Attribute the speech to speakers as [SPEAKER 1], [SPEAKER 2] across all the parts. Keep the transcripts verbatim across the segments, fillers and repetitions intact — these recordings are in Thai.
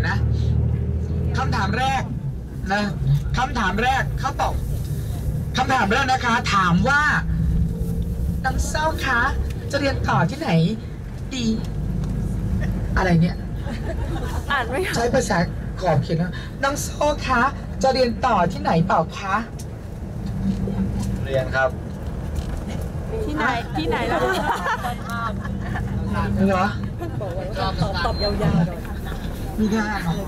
[SPEAKER 1] นะคำถามแรกนะคำถามแรกเขาตอบคำถามแรกนะคะถามว่าน้องเศร้าคะจะเรียนต่อที่ไหนดีอะไรเนี่ย
[SPEAKER 2] อ่านไม่
[SPEAKER 1] ใช้ภาษาขอบเขียนนะน้องโซ่คะจะเรียนต่อที่ไหนเปล่าคะ
[SPEAKER 3] เรียนครับ
[SPEAKER 2] ที่ไหนที่ไหนแล้ว
[SPEAKER 1] เหรอ
[SPEAKER 2] ตอบตอบยาวๆเลย
[SPEAKER 1] มีได้เหรอ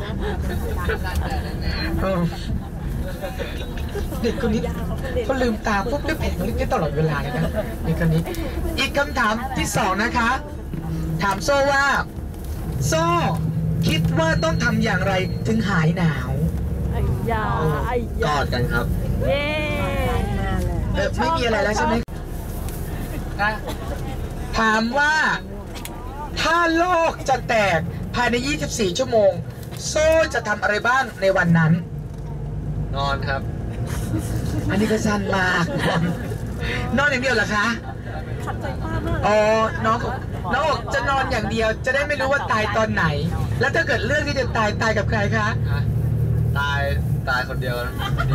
[SPEAKER 1] เด็กคนนี้เขาลืมตาปุ๊บได้แผงลิขิตตลอดเวลาเลยนะเด็กคนนี้อีกคำถามที่สองนะคะถามโซ่ว่าโซ่คิดว่าต้องทำอย่างไรถึงหายหนาว
[SPEAKER 2] ไอ้ยาไอ้
[SPEAKER 3] ยากอดกันครับ
[SPEAKER 2] เย้
[SPEAKER 1] เออไม่มีอะไรแล้วใช่ไหมนะถามว่าถ้าโลกจะแตกภายในยี่สิบสี่ชั่วโมงโซ่จะทำอะไรบ้างในวันนั้น
[SPEAKER 3] นอนครับ
[SPEAKER 1] อันนี้ก็สั้นมากนอนอย่างเดียวเหรอคะ
[SPEAKER 2] ขัดใจป้ามาก
[SPEAKER 1] อ๋อน้องน้องจะนอนอย่างเดียวจะได้ไม่รู้ว่าตายตอนไหนแล้วถ้าเกิดเรื่องที่จะตายตายกับใครคะ
[SPEAKER 3] ตายตายคนเดียว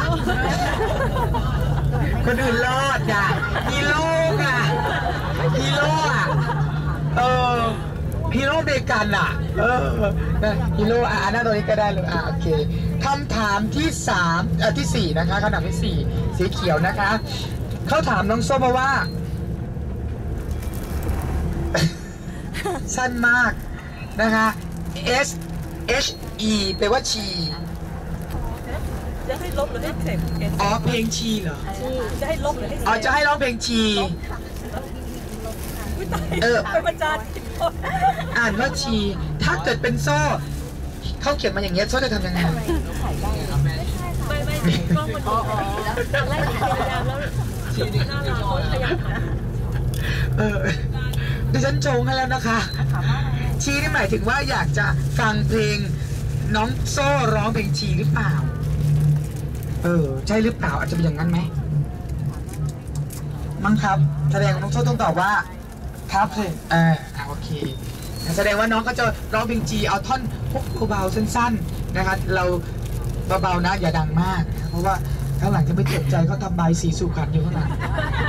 [SPEAKER 1] คนอื่นรอดอ่ะฮีโร่อ่ะฮีโร่อ่ะเออฮีโร่เดกันอ่ะเออฮีโร่อ่ะหน้าตัวนี้ก็ได้เลยอ่ะโอเคคำถามที่สามเอ่อที่สี่นะคะคำถามที่สี่สีเขียวนะคะเขาถามน้องส้มมาว่าสั้นมากนะคะ S H E แปลว่าชี
[SPEAKER 2] จะให้ลบหรือให้เข็ม
[SPEAKER 1] อ๋อเพลงชีเหรอ
[SPEAKER 2] จะให้ลบหรือให้
[SPEAKER 1] อ๋อจะให้ร้องเพลงชีเออ
[SPEAKER 2] เป็นประจาน
[SPEAKER 1] อ่านว่าชีถ้าเกิดเป็นโซ่เขาเขียนมาอย่างเงี้ยโซ่จะทำยังไง
[SPEAKER 2] ไม่ไม่กล้องมันอ๋อไล่พยายามแล้วชีดีน่ารักพยายาม
[SPEAKER 1] เออดิฉันชงให้แล้วนะคะชีนี่หมายถึงว่าอยากจะฟังเพลงน้องโซ่ร้องเพลงชีหรือเปล่าเออใช่หรือเปล่าอาจจะเป็นอย่างนั้นไหมมั้งครับแสดงน้องโซ่ต้องตอบว่าครับเลยเออโอเคแสดงว่าน้องก็จะร้องเพลงจีเอาท่อนพวกเบาๆสั้นๆนะคะเราเบาๆนะอย่าดังมากเพราะว่าข้างหลังจะไม่เจ็บใจเขาทำใบสีสุขันอยู่ข้างหลัง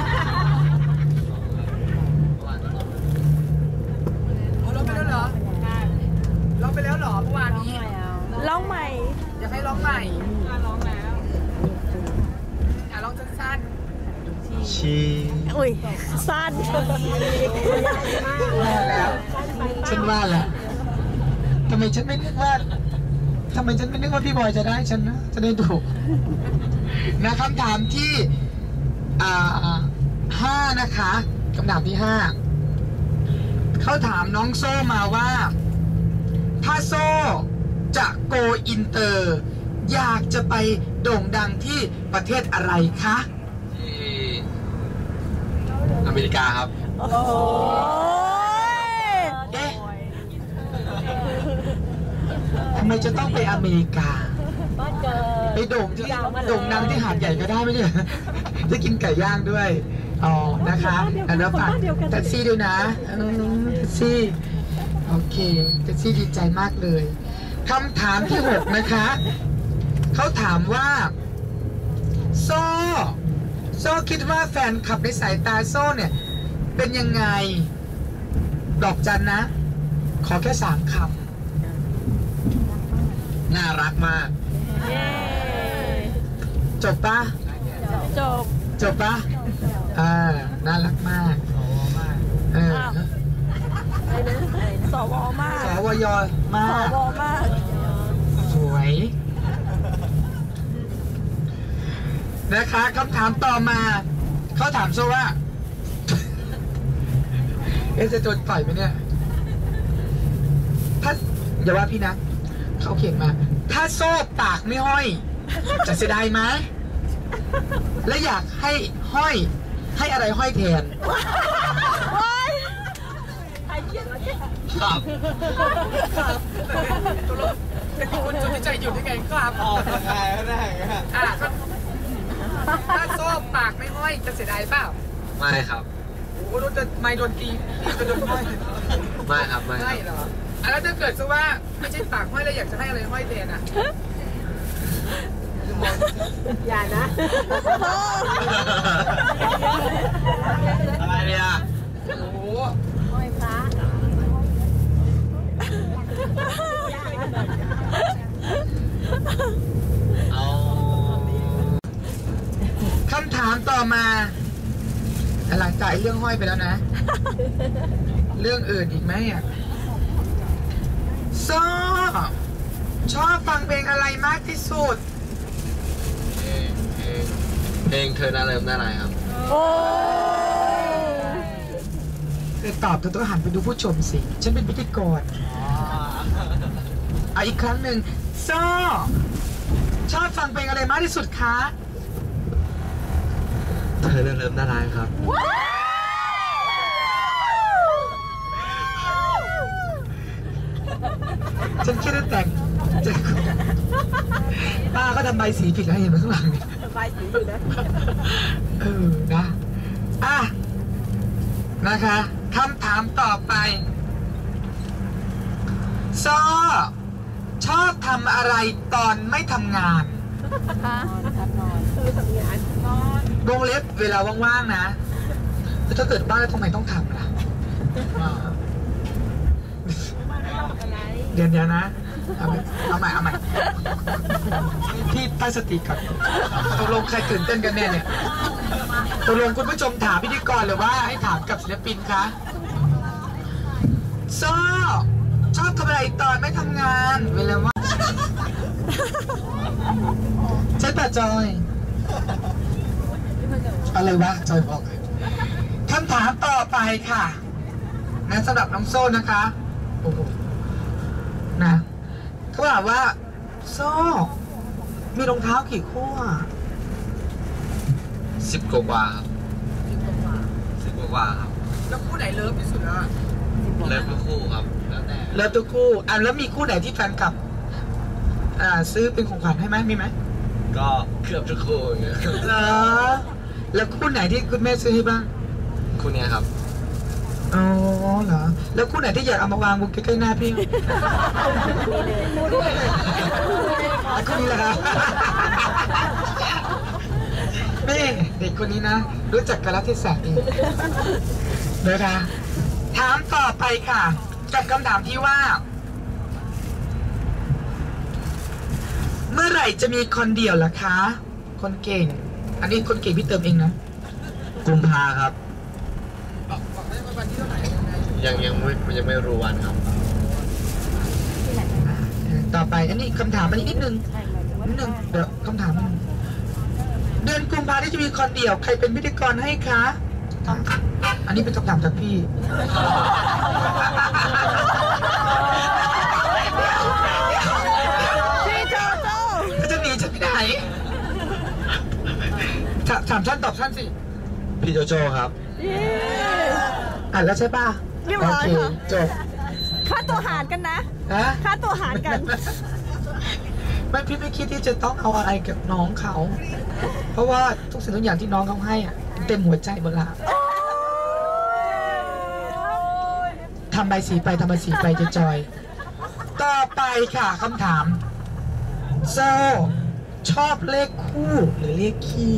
[SPEAKER 1] ร้องไปแล้วเหรอร้องไปแล้วเหรอเมื่อวานนี้
[SPEAKER 2] ร้องใหม่
[SPEAKER 1] อยากให้ร้องใหม่ร้องแล้วอ่ะร้องสั้น
[SPEAKER 3] ๆชี
[SPEAKER 2] อุ้ยสั้น
[SPEAKER 1] แล้วฉันว่าแหละทำไมฉันไม่นึกว่าทำไมฉันไม่นึกว่าพี่บอยจะได้ฉันนะจะได้ถูกนะคำถามที่อ่าห้านะคะคำถามที่ห้าเขาถามน้องโซ่มาว่าถ้าโซ่จะโกอินเตอร์อยากจะไปโด่งดังที่ประเทศอะไรคะ
[SPEAKER 3] ที่อเมริกาครับ
[SPEAKER 2] โอ้
[SPEAKER 1] ยเอ๊ะทำไมจะต้องไปอเมริกาไปโด่งที่โด่งดังที่หาดใหญ่ก็ได้ไหมเนี่ยจะกินไก่ย่างด้วยอ๋อนะคะแล้วฝากแท็กซี่ด้วยนะแท็กซี่โอเคแท็กซี่ดีใจมากเลยคำถามที่หกนะคะเขาถามว่าโซ่โซ่คิดว่าแฟนคลับในสายตาโซ่เนี่ยเป็นยังไงดอกจันนะขอแค่สามค
[SPEAKER 3] ำน่ารักมาก
[SPEAKER 1] จบปะ
[SPEAKER 2] จบ
[SPEAKER 1] จบปะอ่าน่ารักมากเออ
[SPEAKER 2] สวมาก
[SPEAKER 1] สวยมาก
[SPEAKER 2] สวมาก
[SPEAKER 1] สวยนะคะคำถามต่อมาเขาถามโซ่ว่าเอ๊ะจะโดนต่อยไหมเนี่ยถ้าอย่าว่าพี่นะเขาเขียนมาถ้าโซ่ปากไม่ห้อยจะเสียดายไหมและอยากให้ห้อยให้อะไรห้อยแทน
[SPEAKER 3] ครับ
[SPEAKER 1] เป็นคนจนใจหยุดได้ไงครับ
[SPEAKER 3] ออกได้ได้
[SPEAKER 1] อ่ะถ้าโซ่ปากไม่ห้อยจะเสียดายเปล่า
[SPEAKER 3] ไม่ครับ
[SPEAKER 1] โอ้โหโดนจะไม่โดนตีจะโดนห้อย
[SPEAKER 3] ไม่ครับไม่
[SPEAKER 1] ไม่เหรอแล้วถ้าเกิดซะว่าไม่ใช่ปากห้อยแล้วอยากจะให้อะไรห้อยแทนอ่ะ
[SPEAKER 2] อย่านะ
[SPEAKER 3] อะไรเนี่ย
[SPEAKER 1] โอ้โห
[SPEAKER 2] ห้อยพระ
[SPEAKER 3] เอา
[SPEAKER 1] คำถามต่อมาหลังจากเรื่องห้อยไปแล้วนะ เรื่องอื่นอีกไหมอ่ะซ้อชอบฟังเพลงอะไรมากที่สุด
[SPEAKER 3] เพลงเพลงเพลงเธอน่าเริ่มน่าไรครับ
[SPEAKER 2] โอ้ย
[SPEAKER 1] เธอตอบเธอต้องหันไปดูผู้ชมสิ ฉันเป็นพิธีกรอ่ะอีกครั้งหนึ่งซ้อชอบฟังเพลงอะไรมากที่สุดคะ
[SPEAKER 3] เธอน่าเริ่มน่าไรครับ
[SPEAKER 1] ฉันคิดว่าแต่งจะป้าก็ทำใบสีผิดแล้วเห็นไหมข้างหลังเนี่ย
[SPEAKER 2] สบายสีอยู่นะ
[SPEAKER 1] เออ นะ อ่ะ นะคะคำถามต่อไปซอชอบทำอะไรตอนไม่ทำงาน
[SPEAKER 2] นอนครับนอนคือทำงานนอน
[SPEAKER 1] วงเล็บเวลาว่างๆนะแล้วถ้าเกิดบ้านแล้วทำไมต้องทำล่ะอ่า
[SPEAKER 2] อะไร
[SPEAKER 1] เดี๋ยวเดี๋ยวนะ เอาใหม่เอาใหม่เอาใหม่พี่ตั้งสติก่อนตกลงใครตื่นเต้นกันแน่เนี่ยตกลงคุณผู้ชมถามพิธีกรหรือว่าให้ถามกับศิลปินคะซอชอบทำอะไรตอนไม่ทำงานเวลาว่างใช่ป่ะจอย อะไรวะจอยบอกคำถามต่อไปค่ะนะสำหรับน้องโซ่นะคะโอ้โหนะเขาถามว่าโซ่มีรองเท้ากี่คู่อะ
[SPEAKER 3] สิบกว่าครับสิบกว่าครับ
[SPEAKER 1] แล้วคู่ไหนเลิฟที่สุดแล้ว
[SPEAKER 3] เลิฟทุกคู่ครับ แล้วแต่
[SPEAKER 1] เลิฟทุกคู่อ่ะแล้วมีคู่ไหนที่แฟนคลับอ่าซื้อเป็นของขวัญให้ไหมมีไหม
[SPEAKER 3] ก็เกือบทุกคู่อย่างเงี้ย
[SPEAKER 1] เหรอแล้วคู่ไหนที่คุณแม่ซื้อให้บ้าง
[SPEAKER 3] คู่เนี้ยครับ
[SPEAKER 1] อ๋อเหรอแล้วคู่ไหนที่อยากเอามาวางบนใกล้ๆหน้าพี่อ่ะคู่นี้แหละครับนี่เด็กคนนี้นะ รู้จักกาลเทศะดีนะคะถามต่อไปค่ะกับคำถามที่ว่า เมื่อไหร่จะมีคนเดียวล่ะคะ คนเก่ง อันนี้คนเก่งพี่เติมเองนะ
[SPEAKER 3] กุมภาครับ
[SPEAKER 1] บอกบอกได้ว่าวันที่เท่าไหร่
[SPEAKER 3] ยังยังไม่ยังไม่รู้วันครับ
[SPEAKER 1] ต่อไป อันนี้คำถามอันนี้นิดนึงนิดนึงเดี๋ยวคำถามนิดนึงเดือนกุมภาที่จะมีคนเดียวใครเป็นพิธีกรให้คะอันนี้เป็นคำถามจากพี่
[SPEAKER 2] พี่โจโจ
[SPEAKER 1] จะหนีจะไปไหนถามถามท่านตอบท่านสิ
[SPEAKER 3] พี่โจโจ้ครับ
[SPEAKER 2] เย้
[SPEAKER 1] อ่านแล้วใช่ป่ะ
[SPEAKER 2] เรียบร้อย
[SPEAKER 1] โอเค
[SPEAKER 2] ค่ะ
[SPEAKER 1] จบ
[SPEAKER 2] ค่าตัวหารกันนะ
[SPEAKER 1] ฮะ
[SPEAKER 2] ค่าตัวหารกัน
[SPEAKER 1] ไม่พี่ไม่คิดที่จะต้องเอาอะไรกับน้องเขา เพราะว่าทุกสิ่งทุกอย่างที่น้องเขาให้อ่ะเต็มหัวใจหมดละทำใบสีไปทำใบสีไปจะจอย ต่อไปค่ะคำถามโซ่ชอบเลขคู่หรือเลขคี่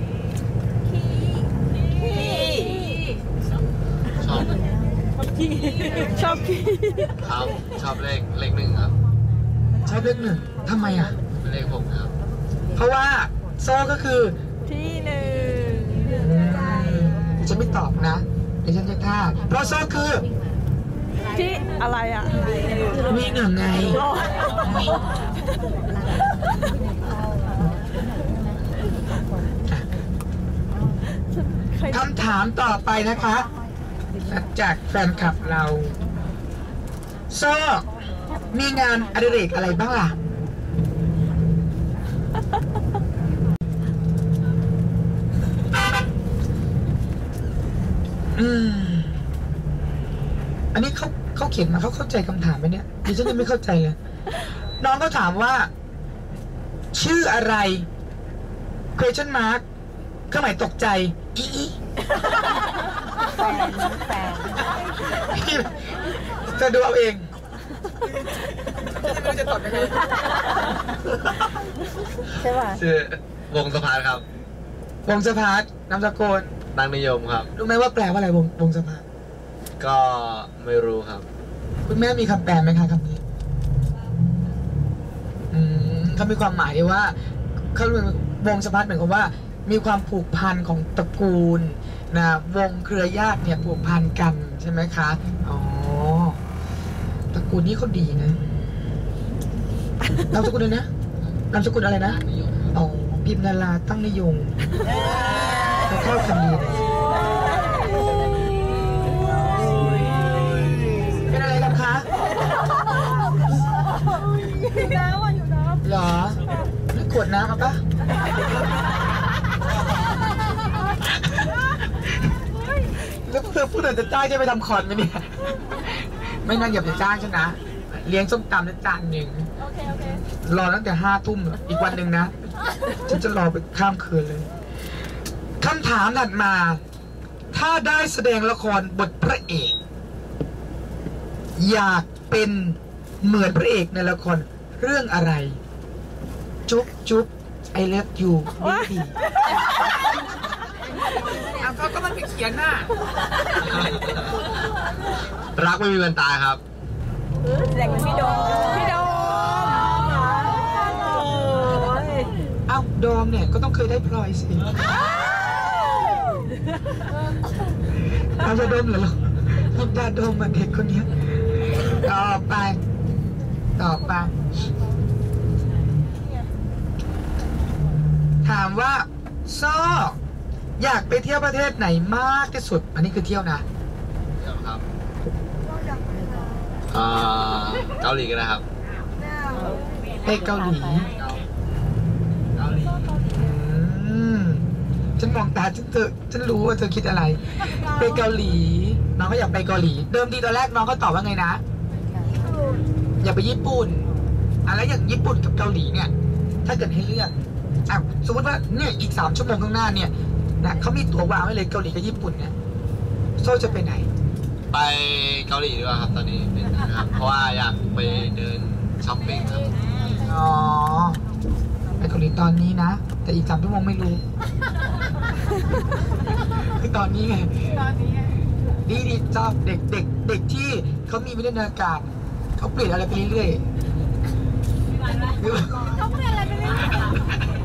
[SPEAKER 3] ชอบ
[SPEAKER 2] ชอบพี่
[SPEAKER 3] ครับชอบเลขเลขหนึ่งครับ
[SPEAKER 1] ชอบเลขหนึ่งทำไมอ่ะ
[SPEAKER 3] เป็นเลขผมครับ
[SPEAKER 1] เพราะว่าโซ่ก็คือ
[SPEAKER 2] ที่หนึ่ง
[SPEAKER 1] อืมฉันไม่ตอบนะเดี๋ยวฉันจะท่าเพราะโซ่คือ
[SPEAKER 2] ที่อะไรอ่ะ
[SPEAKER 1] มีหนึ่งไง
[SPEAKER 2] ใคร
[SPEAKER 1] คำถามต่อไปนะคะ จากแฟนคลับเราโซ่มีงานอดิเรกอะไรบ้างล่ะ อืม อันนี้เขาเขาเขียนมาเขาเข้าใจคำถามไหมเนี่ยดิฉันยังไม่เข้าใจเลย น้องก็ถามว่า ชื่ออะไร question mark เครื่องหมายตกใจอีอี
[SPEAKER 2] แฟนแฟน
[SPEAKER 1] พี่จะดูเอาเองไม่รู้จะตอบยังไง
[SPEAKER 2] ใช่ป่ะ
[SPEAKER 3] ชื่อวงสะพานครับ
[SPEAKER 1] วงสะพานนามสกุล
[SPEAKER 3] ดังนิยมครับ
[SPEAKER 1] รู้ไหมว่าแปลว่าอะไรวงวงสะพาน
[SPEAKER 3] ก็ไม่รู้ครับ
[SPEAKER 1] คุณแม่มีคำแปลไหมคะคำนี้อืมเขามีความหมายที่ว่าเขาเป็นวงสะพานเหมือนกับว่า มีความผูกพันของตระกูลนะวงเครือญาติเนี่ยผูกพันกันใช่ไหมคะอ๋อตระกูลนี้เขาดีนะนามสกุลเลยนะนามสกุลอะไรนะอ๋อพิมนาราตั้งนิยมเขาเข้ากันดีเลยเป็นอะไรกันคะ
[SPEAKER 2] อยู่น้ำอ่ะอยู่น้ำ
[SPEAKER 1] เหรอแล้วขวดน้ำเอาปะแล้วเพื่อพูดถึงจะจ้างจะไปทำคอนไหมเนี่ย ไม่น่าอย่าไปจ้างฉันนะ เลี้ยงส้มตำแล้วจานหนึ่ง
[SPEAKER 2] โอเคโอเค
[SPEAKER 1] รอตั้งแต่ห้าทุ่มอีกวันหนึ่งนะ ฉันจะรอไปข้ามคืนเลย คำถามถัดมา ถ้าได้แสดงละครบทพระเอก อยากเป็นเหมือนพระเอกในละครเรื่องอะไร จุ๊บจุ๊บไอเลิฟยูนี่ดีอ่ะก็ก็มันไปเขียนน่ะ
[SPEAKER 3] รักไม่มีวันตายครับ
[SPEAKER 2] แสดงเป็นพี่โดมพี่โดมโอ้ย
[SPEAKER 1] เอ้าโดมเนี่ยก็ต้องเคยได้พลอยสิเอาจะโดมเหรอลูกดาโดมมาเด็กคนเนี้ยต่อไป ต่อไป ถามว่าซ้ออยากไปเที่ยวประเทศไหนมากที่สุด อันนี้คือเที่ยวนะ
[SPEAKER 3] เดี๋ยวครับอ่าเกาหลีกันนะครับ
[SPEAKER 1] ไปเกาหลี
[SPEAKER 3] เกาหลี
[SPEAKER 1] อืมฉันมองตาฉันเธอฉันรู้ว่าเธอคิดอะไร ไปเกาหลี น้องก็อยากไปเกาหลี เดิมทีตอนแรกน้องก็ตอบว่าไงนะ อยากไปญี่ปุ่นอะไรอย่างญี่ปุ่นกับเกาหลีเนี่ย ถ้าเกิดให้เลือกอ่ะสมมติว่าเนี่ยอีกสามชั่วโมงข้างหน้าเนี่ยนะเขามีตั๋ววางไว้เลยเกาหลีกับญี่ปุ่นเนี่ยโซ่จะไปไหน
[SPEAKER 3] ไปเกาหลีดีกว่าครับตอนนี้เป็นนะครับ เพราะว่าอยากไปเดินช้อปปิ้งครับ
[SPEAKER 1] อ๋อ ไปเกาหลีตอนนี้นะ แต่อีกสามชั่วโมงไม่รู้ คือตอนนี้ไง
[SPEAKER 2] ตอนนี้
[SPEAKER 1] ดีดีชอบเด็กเด็กเด็กที่เขามีวิทยาการเขาเปลี่ยนอะไรไปเรื่อยๆ
[SPEAKER 2] เขาเปลี่ยนอะไรไปเรื่อย